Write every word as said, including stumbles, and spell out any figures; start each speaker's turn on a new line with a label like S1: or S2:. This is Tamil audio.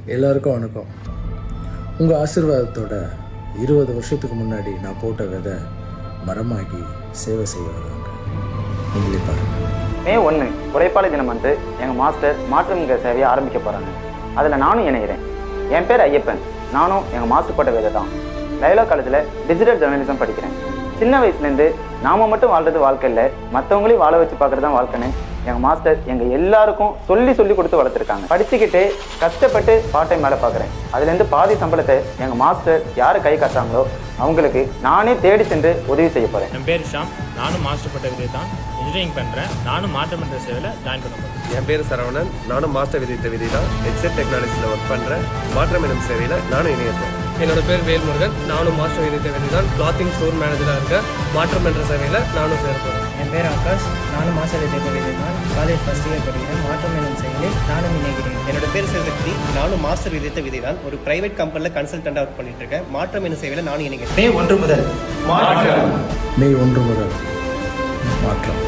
S1: எல்லாருக்கும் வணக்கம். உங்கள் ஆசீர்வாதத்தோட இருபது வருஷத்துக்கு முன்னாடி நான் போட்ட விதை மரமாகி சேவை செய்ய வராங்க. நீங்களே பாருங்கள்.
S2: மே ஒன்று உழைப்பாளர் தினம் வந்து எங்கள் மாஸ்டர் மாற்றுமிக சேவையை ஆரம்பிக்க போகிறாங்க. அதில் நானும் இணைகிறேன். என் பேர் ஐயப்பன். நானும் எங்கள் மாஸ்டர் போட்ட விதை தான். லைலா காலேஜில் டிஜிட்டல் ஜேர்னலிசம் படிக்கிறேன். சின்ன வயசுலேருந்து நாம் மட்டும் வாழ்றது வாழ்க்கை இல்லை, மற்றவங்களையும் வாழ வச்சு பார்க்குறது தான் வாழ்க்கைன்னு எங்கள் மாஸ்டர் எங்கள் எல்லாருக்கும் சொல்லி சொல்லி கொடுத்து வளர்த்துருக்காங்க. படிச்சுக்கிட்டு கஷ்டப்பட்டு பார்ட் டைம் வேலை பார்க்குறேன். அதுலேருந்து பாதி சம்பளத்தை எங்கள் மாஸ்டர் யார் கை காட்டுறாங்களோ அவங்களுக்கு நானே தேடி சென்று உதவி செய்ய போகிறேன்.
S3: என் பேர் ஷாம். நானும் மாஸ்டர் பட்ட விதை தான் இன்ஜினியரிங் பண்ணுறேன். நானும் மாற்றமன்ற சேவையில் ஜாயின் பண்ண போகிறேன்.
S4: என் பேர் சரவணன். நானும் மாஸ்டர் விதித்த விதி தான் எக்ஸெட் டெக்னாலஜியில் ஒர்க் பண்ணுறேன். மாற்றம் எனும் சேவையில் நானும் இணையப்பேன்.
S5: என்னோட பேர் வேல்முருகன். நானும் மாஸ்டர் விதித்த விதி தான் கிளாத்திங் ஸ்டோர் மேனேஜராக இருக்கேன். மாற்றம் என்ற சேவையில் நானும் சேர்ப்பேன்.
S6: என் பேர் ஆகாஷ். நானும் மாஸ்டர் விதித்த விதி தான் காலேஜ் ஃபஸ்ட் இயர் படிக்கிறேன். மாற்றம் எனும் சேவையில் நானும் இணைகிறேன்.
S7: என்னோட பேர் சிவசக்தி. நானும் மாஸ்டர் விதித்த விதி தான் ஒரு பிரைவேட் கம்பெனியில் கன்சல்டண்டாக ஒர்க் பண்ணிட்டு இருக்கேன். மாற்றம் எனும் சேவையில் நானும் இணைகிறேன்.
S1: மே ஒன்று முதல் மாற்றம்.